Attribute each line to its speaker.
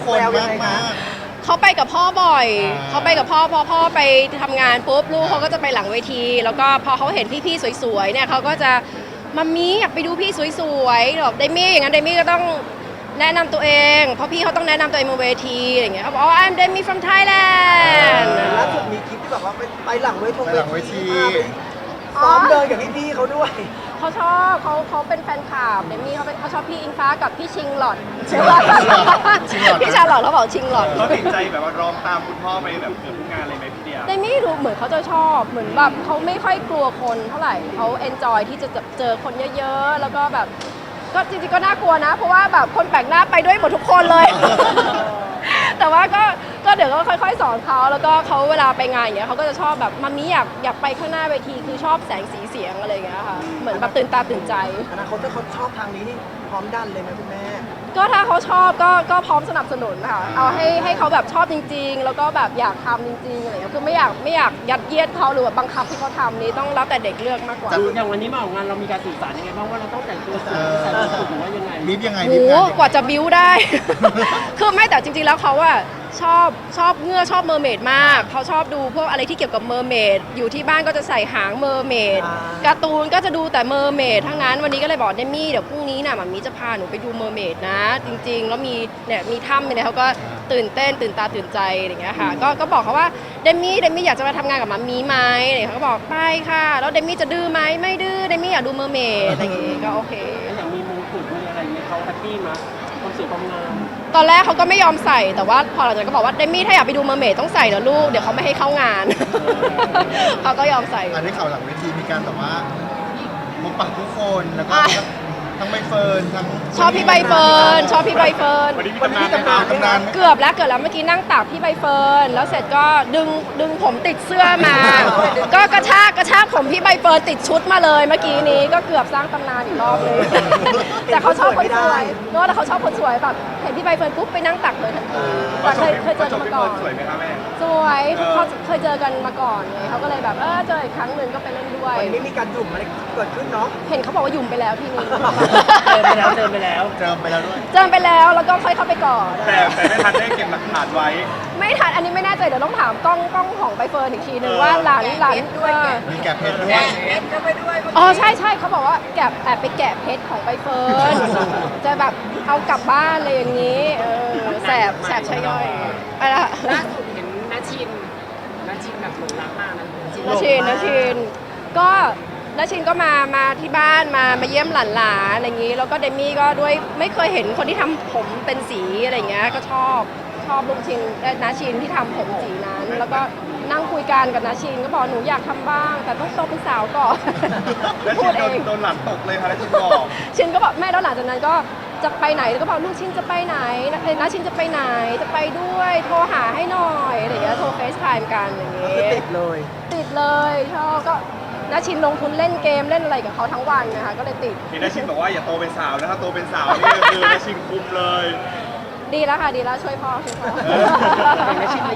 Speaker 1: คนมากมาก
Speaker 2: เขาไปกับพ่อบ่อย
Speaker 1: อ่า
Speaker 2: เขาไปกับพ่อพอพ่อไปทำงานปุ๊บลูกเขาก็จะไปหลังเวที แล้วก็พอเขาเห็นพี่ๆสวยๆเนี่ยเขาก็จะมัมมี่อยากไปดูพี่สวยๆแบบเดมี่อย่างนั้นเดมี่ก็ต้องแนะนำตัวเองเพราะพี่เขาต้องแนะนำตัวเองบนเวทีอย่างเงี้ยเขาบอกอ๋อ I'm Demi from Thailand
Speaker 3: ล่าสุดมีคลิปที่แบบว่าไปหลังเวที
Speaker 1: ไปหลังเวที
Speaker 3: ซ้อมเดินกับพี่ๆเขาด้วย
Speaker 2: เขาชอบเขาเป็นแฟนคลับเดมี่เขาชอบพี่อิงฟ้ากับพี่ชิงหลอดใช่ไหมพี่ชาหลอดเขาบอกชิงหลอด
Speaker 4: เขาติดใจแบบว่าร้องตามคุณพ่อไปแบบเกือบทุกงานเลยไหมพี่เดีย
Speaker 2: เดมี่ดูเหมือนเขาจะชอบเหมือนแบบเขาไม่ค่อยกลัวคนเท่าไหร่เขาเอนจอยที่จะเจอคนเยอะๆแล้วก็แบบก็จริงๆก็น่ากลัวนะ เพราะว่าแบบคนแปลกหน้าไปด้วยหมดทุกคนเลย แต่ว่าก็เดี๋ยวก็ค่อยๆสอนเขาแล้วก็เขาเวลาไปงานอย่างเงี้ยเขาก็จะชอบแบบมัมมี่อยากไปข้างหน้าเวทีคือชอบแสงสีเสียงอะไรอย่างเงี้ยค่ะเหมือนแบบตื่นตาตื่นใจ
Speaker 3: อนาคตถ้าเขาชอบทางนี้นี่พร้อมดันเลยไหมคุณแม่
Speaker 2: ก็ถ้าเขาชอบก็พร้อมสนับสนุนค่ะเอาให้เขาแบบชอบจริงๆ แล้วก็แบบอยากทำจริงๆอะไรอย่างเงี้ยคือไม่อยากยัดเยียดเขาหรือว่าบังคับที่เขาทำนี้ต้องแล้วแต่เด็กเลือกมากกว่า
Speaker 5: อย่างวันนี้มาออกงานเรามีการสื่อสารยังไงบ้างว่าเราต้องแต่งตัวสวยใส่ชุดสูทหรือว่ายังไง
Speaker 1: บีบยังไง
Speaker 2: โห
Speaker 1: บีบงาน
Speaker 2: กว่าจะบิ้วได้ คือไม่แต่จริงๆแล้วเขาอะชอบเงือกชอบเมอร์เมดมากเขาชอบดูพวกอะไรที่เกี่ยวกับเมอร์เมดอยู่ที่บ้านก็จะใส่หางเมอร์เมดการ์ตูนก็จะดูแต่เมอร์เมดทั้งนั้นวันนี้ก็เลยบอกเดมี่เดี๋ยวพรุ่งนี้น่ะมัมมี่จะพาหนูไปดูเมอร์เมดนะ จริงๆแล้วมีถ้ำเนี่ยเขาก็ตื่นเต้นตื่นตาตื่นใจอะไรอย่างเงี้ยค่ะก็บอกเขาว่าเดมี่อยากจะมาทำงานกับมัมมี่ไหมอะไรอย่างเงี้ยเขาก็บอกไปค่ะแล้วเดมี่จะดื้อไหมไม่ดื้อเดมี่อยากดูเมอร์เมดอะไรอย่างเงี้ยก็โอเค
Speaker 5: อย่างมีมงกุฎมีอะไรอย่างเงี้ยเขาแฮปปี้มั้ยความสวยความงาม
Speaker 2: ตอนแรกเขาก็ไม่ยอมใส่แต่ว่าพอหลังจากนั้นก็บอกว่าเดมี่ถ้าอยากไปดูเมอร์เมดต้องใส่นะลูกเดี๋ยวเขาไม่ให้เข้างาน เขาก็ยอมใส่
Speaker 1: อันนี้ข่าวหลังเวทีมีการแบบว่าพบปะผู้คนแล้วก็ทั้งใบเฟิร์นทั้ง
Speaker 2: ชอบพี่ใบเฟิร์นชอบพี่ใบเฟิร์น
Speaker 4: วันนี้มีตำนานไหมครับ
Speaker 1: ตำนานไหม
Speaker 2: เกือบแล้วเมื่อกี้นั่งตากพี่ใบเฟิร์นแล้วเสร็จก็ดึงผมติดเสื้อมา ก็กระชากผมพี่ใบเฟิร์นติดชุดมาเลยเมื่อกี้นี้ก็เกือบสร้างตำนานอีกรอบเลย แต่เขาชอบคนสวยเนอะแต่เขาชอบคนสวยแบบเห็นพี่ใบเฟิร์นปุ๊บไปนั่งตักเลยทันทีแต่เคยเจอกันมาก่อน
Speaker 4: สวยไหมครับแม่
Speaker 2: สวยเขาเคยเจอกันมาก่อนไงเขาก็เลยแบบเจออีกครั้งหนึ่งก็ไปเล่นด้วย
Speaker 3: วันนี้มีการหยุ่มอะไรเกิดขึ้นเนาะ
Speaker 2: เห็นเขาบอกว่าหยุ่มไปแล้วทีนึง
Speaker 5: เจอไปแล้ว
Speaker 1: เจิมไปแล้วด้วย
Speaker 2: เจอไปแล้วแล้วก็ค่อยเข้าไปก่อน
Speaker 4: แต่ไม่ทันได้เก็บหลักฐานไว้
Speaker 2: ไม่ทันอันนี้ไม่แน่ใจเดี๋ยวต้องถามกล้องของใบเฟิร์นอีกทีนึงว่าหลานด้วย
Speaker 1: มีแกะเพชรด้วย
Speaker 2: อ๋อใช่เขาบอกว่าแอบไปแกะเพชรของใบเฟิร์นจะแบบเอากลับบ้านเลยอย่างนี้แสบใช่ย่อยไปละ
Speaker 5: ล่าสุดเห็นนาชินแบบหลงรักมากนะ
Speaker 2: นาชินก็นาชินก็มาที่บ้านมาเยี่ยมหลานๆอะไรอย่างนี้ แล้วก็เดมี่ก็ด้วยไม่เคยเห็นคนที่ทำผมเป็นสีอะไรอย่างเงี้ยก็ชอบลุงชินนาชินที่ทำผมสีนั้น แล้วก็นั่งคุยกันกับนาชินก็บอกหนูอยากทำบ้าง แต่ต้องโตเป็นสาวก่อน
Speaker 4: แล้ว
Speaker 2: พู
Speaker 4: ชิ
Speaker 2: ด
Speaker 4: น
Speaker 2: เอง
Speaker 4: โดนหลังตกเลยค่ะแล้วชินบอก
Speaker 2: ชินก็บอกแม่แล้วหลังจากนั้นก็จะไปไหนแล้วก็บอกลูกชินจะไปไหนนาชินจะไปไหนจะไปด้วยโทรหาให้หน่อยอะไรอย่างเงี้ยโทรเฟซไทม์กันอย่าง
Speaker 3: ก็
Speaker 2: เงี้
Speaker 3: คือย ติดเลย
Speaker 2: ติดเลยชอบก็นาชินลงทุนเล่นเกมเล่นอะไรกับเขาทั้งวันนะคะก็เลยติด
Speaker 4: เห็นนาชินบอกว่าอย่าโตเป็นสาวนะถ้าโตเป็นสาวนี่คือนาชินคุมเลย
Speaker 2: ดีแล้วค่ะดีแล้วช่วยพ่อ
Speaker 5: นาชิน